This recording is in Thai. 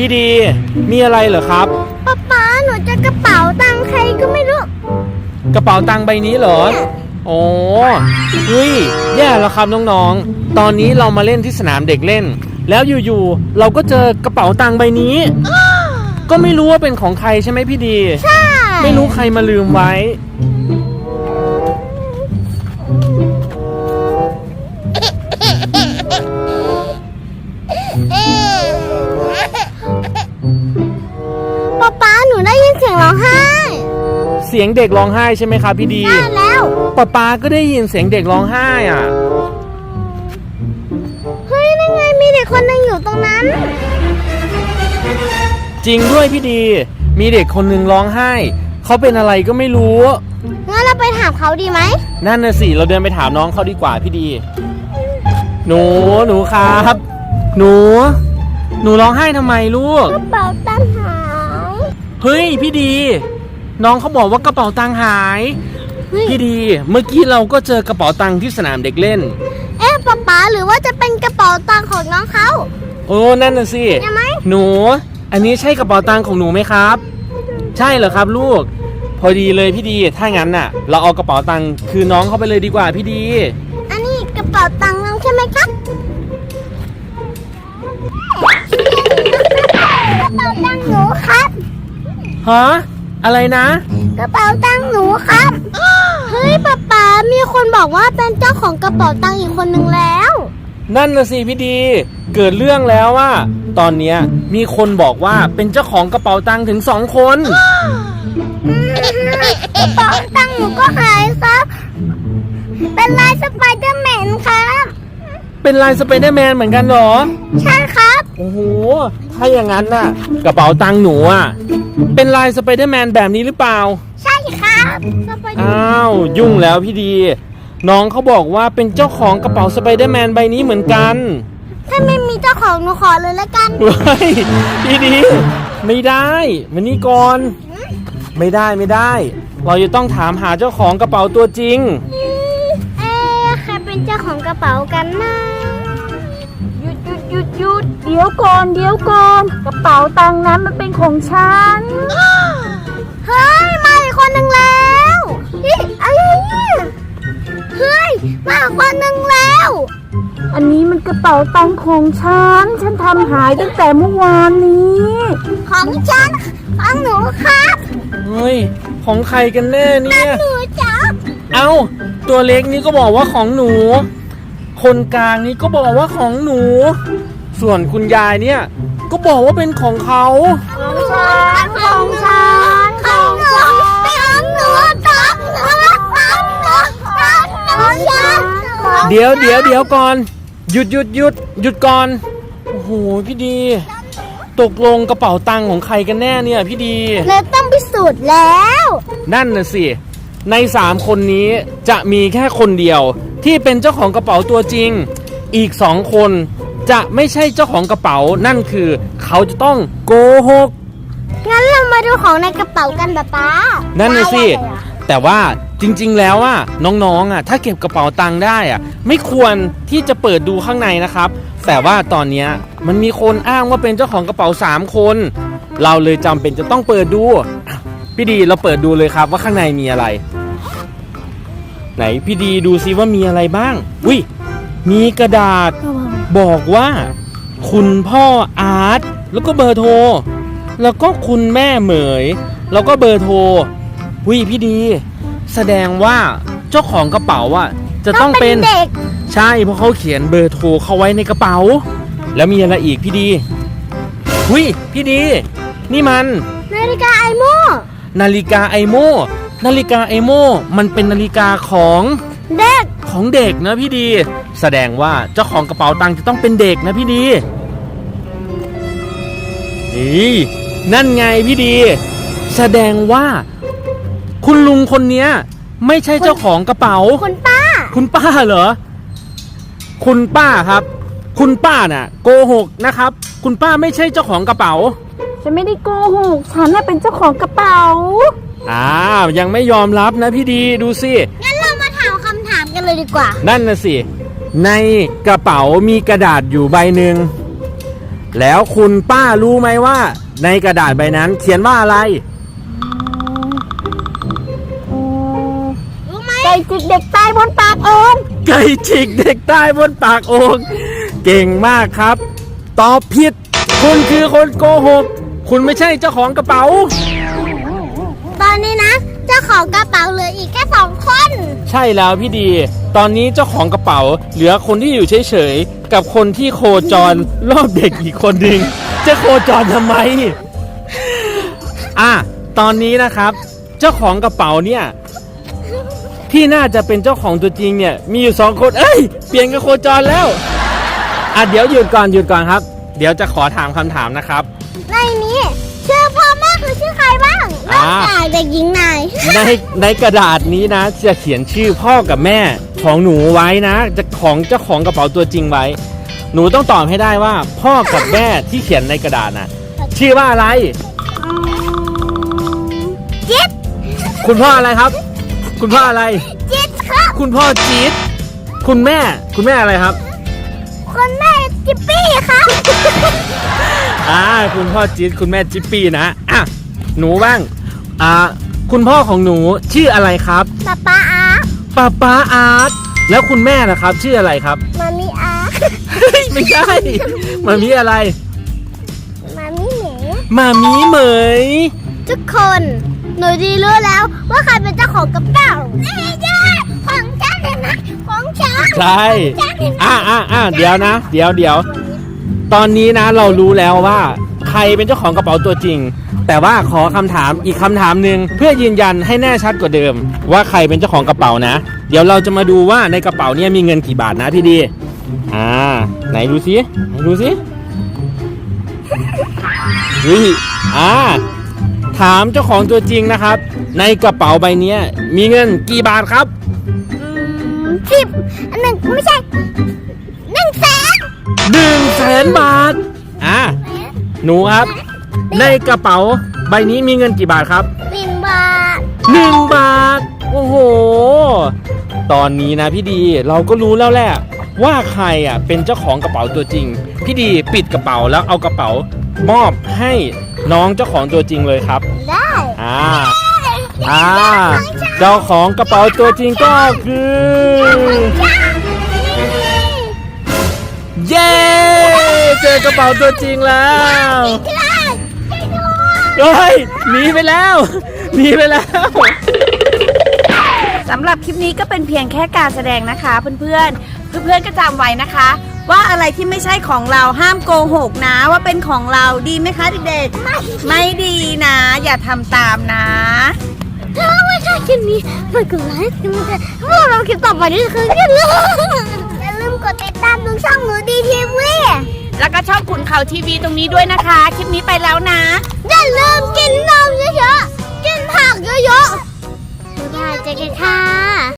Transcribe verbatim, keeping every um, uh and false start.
ดีมีอะไรเหรอครับป๊าป๊าหนูจะกระเป๋าตังค์ใครก็ไม่รู้กระเป๋าตังค์ใบนี้เหรอโอ้เฮ้ยแย่แล้วครับน้องๆตอนนี้เรามาเล่นที่สนามเด็กเล่นแล้วอยู่ๆเราก็เจอกระเป๋าตังค์ใบนี้ก็ไม่รู้ว่าเป็นของใครใช่ไหมพี่ดีใช่ไม่รู้ใครมาลืมไว้ป๊าป๊าหนูได้ยินเสียงร้องไห้เสียงเด็กร้องไห้ใช่ไหมครับพี่ดีใช่แล้วป๊าป๊าก็ได้ยินเสียงเด็กร้องไห้อ่ะเฮ้ยนั่นไงมีเด็กคนหนึ่งอยู่ตรงนั้นจริงด้วยพี่ดีมีเด็กคนหนึ่งร้องไห้เขาเป็นอะไรก็ไม่รู้งั้นเราไปถามเขาดีไหมนั่นน่ะสิเราเดินไปถามน้องเขาดีกว่าพี่ดีหนูหนูครับหนูหนูร้องไห้ทำไมลูกกระเป๋าตังค์หายเฮ้ยพี่ดีน้องเขาบอกว่ากระเป๋าตังค์หายพี่ดีเมื่อกี้เราก็เจอกระเป๋าตังค์ที่สนามเด็กเล่นเอ๊ะป๊าป๊าหรือว่าจะเป็นกระเป๋าตังค์ของน้องเขาโอ้นั่นน่ะสิใช่ไหมหนูอันนี้ใช่กระเป๋าตังค์ของหนูไหมครับใช่เหรอครับลูกพอดีเลยพี่ดีถ้างั้นน่ะเราเอากระเป๋าตังค์คือน้องเขาไปเลยดีกว่าพี่ดีอันนี้กระเป๋าตังค์น้องใช่ไหมครับกระเป๋าตังค์หนูครับฮะอะไรนะกระเป๋าตังค์หนูครับเฮ้ยป๊าป๊ามีคนบอกว่าเป็นเจ้าของกระเป๋าตังค์อีกคนนึงแล้วนั่นน่ะสิพี่ดีเกิดเรื่องแล้วว่าตอนเนี้ยมีคนบอกว่าเป็นเจ้าของกระเป๋าตังค์ถึงสองคนกระเป๋าตังค์หนูก็หายครับเป็นลายสไปเดอร์แมนครับเป็นลายสไปเดอร์แมนเหมือนกันเหรอใช่ครับโอ้โหถ้าอย่างนั้นน่ะกระเป๋าตังค์หนูอ่ะเป็นลายสไปเดอร์แมนแบบนี้หรือเปล่าใช่ครับอ้าวยุ่งแล้วพี่ดีน้องเขาบอกว่าเป็นเจ้าของกระเป๋าสไปเดอร์แมนใบนี้เหมือนกันถ้าไม่มีเจ้าของหนูขอเลยละกันเฮ้ยพี่ดีไม่ได้มานี่ก่อนไม่ได้ไม่ได้เราจะต้องถามหาเจ้าของกระเป๋าตัวจริงเอ๊ะใครเป็นเจ้าของกระเป๋ากันนะหยุดหยุดหยุดหยุดเดี๋ยวก่อนเดี๋ยวก่อนกระเป๋าตังค์นั้นมันเป็นของฉันเฮ้ยมาอีกคนหนึ่งแล้วนี่อะไรเนี่ยเฮ้ยมาอีกคนหนึ่งแล้วอันนี้มันกระเป๋าตังค์ของฉันฉันทำหายตั้งแต่เมื่อวานนี้ของฉันของหนูครับเฮ้ยของใครกันแน่เนี่ยหนูจับเอ้าตัวเล็กนี่ก็บอกว่าของหนูคนกลางนี่ก็บอกว่าของหนูส่วนคุณยายเนี่ยก็บอกว่าเป็นของเขาของฉันของฉันของหนูของหนูของหนูของหนูของฉันเดี๋ยวเดี๋ยวเดี๋ยวก่อนหยุดหยุดหยุดหยุดก่อนโอ้โหพี่ดีตกลงกระเป๋าตังค์ของใครกันแน่เนี่ยพี่ดีเราต้องพิสูจน์แล้วนั่นน่ะสิในสามคนนี้จะมีแค่คนเดียวที่เป็นเจ้าของกระเป๋าตัวจริงอีกสองคนจะไม่ใช่เจ้าของกระเป๋านั่นคือเขาจะต้องโกหกงั้นเรามาดูของในกระเป๋ากันป๊าป๊านั่นน่ะสิแต่ว่าจริงๆแล้วอ่ะน้องๆอ่ะถ้าเก็บกระเป๋าตังค์ได้อ่ะไม่ควรที่จะเปิดดูข้างในนะครับแต่ว่าตอนนี้มันมีคนอ้างว่าเป็นเจ้าของกระเป๋าสามคนเราเลยจำเป็นจะต้องเปิดดูพี่ดีเราเปิดดูเลยครับว่าข้างในมีอะไรไหนพี่ดีดูซิว่ามีอะไรบ้างอุ้ยมีกระดาษบอกว่าคุณพ่ออาร์ตแล้วก็เบอร์โทรแล้วก็คุณแม่เหมยแล้วก็เบอร์โทรอุ้ยพี่ดีแสดงว่าเจ้าของกระเป๋าอ่ะจะต้องเป็นเด็กใช่เพราะเขาเขียนเบอร์โทรเขาไว้ในกระเป๋าแล้วมีอะไรอีกพี่ดีอุ้ยพี่ดีนี่มันนาฬิกาไอโมนาฬิกาไอโมนาฬิกาไอโมมันเป็นนาฬิกาของเด็กของเด็กนะพี่ดีแสดงว่าเจ้าของกระเป๋าตังค์จะต้องเป็นเด็กนะพี่ดีนี่นั่นไงพี่ดีแสดงว่าคุณลุงคนนี้ไม่ใช่เจ้าของกระเป๋าคุณป้าคุณป้าเหรอคุณป้าครับคุณป้าน่ะโกหกนะครับคุณป้าไม่ใช่เจ้าของกระเป๋าฉันไม่ได้โกหกฉันน่ะเป็นเจ้าของกระเป๋าอ้าวยังไม่ยอมรับนะพี่ดีดูสิงั้นเรามาถามคำถามกันเลยดีกว่านั่นน่ะสิในกระเป๋ามีกระดาษอยู่ใบหนึ่งแล้วคุณป้ารู้ไหมว่าในกระดาษใบนั้นเขียนว่าอะไรรู้ไหมไก่จิกเด็กตายบนปากโอ่งไก่ฉีกเด็กใต้บนปากโอ่งเก่งมากครับ ตอบผิด คุณคือคนโกหก คุณไม่ใช่เจ้าของกระเป๋าตอนนี้นะเจ้าของกระเป๋าเหลืออีกแค่สองคนใช่แล้วพี่ดี ตอนนี้เจ้าของกระเป๋าเหลือคนที่อยู่เฉยๆกับคนที่โคจรรอบเด็กอีกคนหนึ่งจะโคจรทำไม อ่ะตอนนี้นะครับ เจ้าของกระเป๋าเนี่ยที่น่าจะเป็นเจ้าของตัวจริงเนี่ยมีอยู่สองคนเอ้ยเปลี่ยนกับโคจรแล้วอ่ะเดี๋ยวหยุดก่อนหยุดก่อนครับ เดี๋ยวจะขอถามคำถามนะครับในนี้ชื่อพ่อแม่คือชื่อใครบ้างนอกจากเด็กหญิงนายในในกระดาษนี้นะจะเขียนชื่อพ่อกับแม่ของหนูไว้นะจะของเจ้าของกระเป๋าตัวจริงไว้ หนูต้องตอบให้ได้ว่าพ่อกับแม่ที่เขียนในกระดาษน่ะชื่อว่าอะไรจิ๊ดคุณพ่ออะไรครับ คุณพ่ออะไรจิ๊ดครับคุณพ่อจี๊ดคุณแม่คุณแม่อะไรครับคุณแม่จิ๊ปปี้ครับอ่าคุณพ่อจี๊ดคุณแม่จิ๊ปปี้นะอ่ะหนูบ้างอ่าคุณพ่อของหนูชื่ออะไรครับป๊าป๊าอาร์ป้าป้าอาร์ตแล้วคุณแม่นะครับชื่ออะไรครับมามิอาร์เฮ้ยไม่ใช่มามีอะไรมามิเหมมามีเหมยทุกคน หนูดีรู้แล้วว่าใครเป็นเจ้าของกระเป๋าไม่ใช่ของฉันเห็นไหมของฉันใช่ของฉันเห็นไหมอ่าอ่าอ่าเดี๋ยวนะ เดี๋ยวเดี๋ยวตอนนี้นะเรารู้แล้วว่าใครเป็นเจ้าของกระเป๋าตัวจริง แต่ว่าขอคำถามอีกคำถามหนึ่งเพื่อยืนยันให้แน่ชัดกว่าเดิม ว่าใครเป็นเจ้าของกระเป๋านะ เดี๋ยวเราจะมาดูว่าในกระเป๋าเนี่ยมีเงินกี่บาทนะพี่ดี อ่า ไหนดูสิไหนดูสิเฮ้ยอ่าถามเจ้าของตัวจริงนะครับ ในกระเป๋าใบเนี้ยมีเงินกี่บาทครับสิบอันหนึ่งไม่ใช่หนึ่งแสนหนึ่งแสนบาท อ่า หนูครับ ในกระเป๋าใบนี้มีเงินกี่บาทครับหนึ่งบาทหนึ่งบาท โอ้โห ตอนนี้นะพี่ดีเราก็รู้แล้วแหละว่าใครอ่ะเป็นเจ้าของกระเป๋าตัวจริง พี่ดีปิดกระเป๋าแล้วเอากระเป๋ามอบให้น้องเจ้าของตัวจริงเลยครับได้อ่า อ่า เจ้าของกระเป๋าตัวจริงก็คือ เย้ เจอกระเป๋าตัวจริงแล้วเฮ้ยหนีไปแล้วหนีไปแล้วสำหรับคลิปนี้ก็เป็นเพียงแค่การแสดงนะคะเพื่อนๆ เพื่อนๆก็จำไว้นะคะ ว่าอะไรที่ไม่ใช่ของเราห้ามโกหกนะว่าเป็นของเราดีไหมคะเด็กๆ ไม่ไม่ดีนะ อย่าทำตามนะถ้าไม่ชอบคลิปนี้ฝากกดไลค์กดแชร์พวกเราคลิปต่อไปนี่คือกันเลยอย่าลืมกดติดตามดูช่องหนูดีทีวีแล้วก็ช่องขุนเขาทีวีตรงนี้ด้วยนะคะ คลิปนี้ไปแล้วนะอย่าลืมกินนมเยอะๆกินผักเยอะๆบ๊ายบายเจอกันค่ะ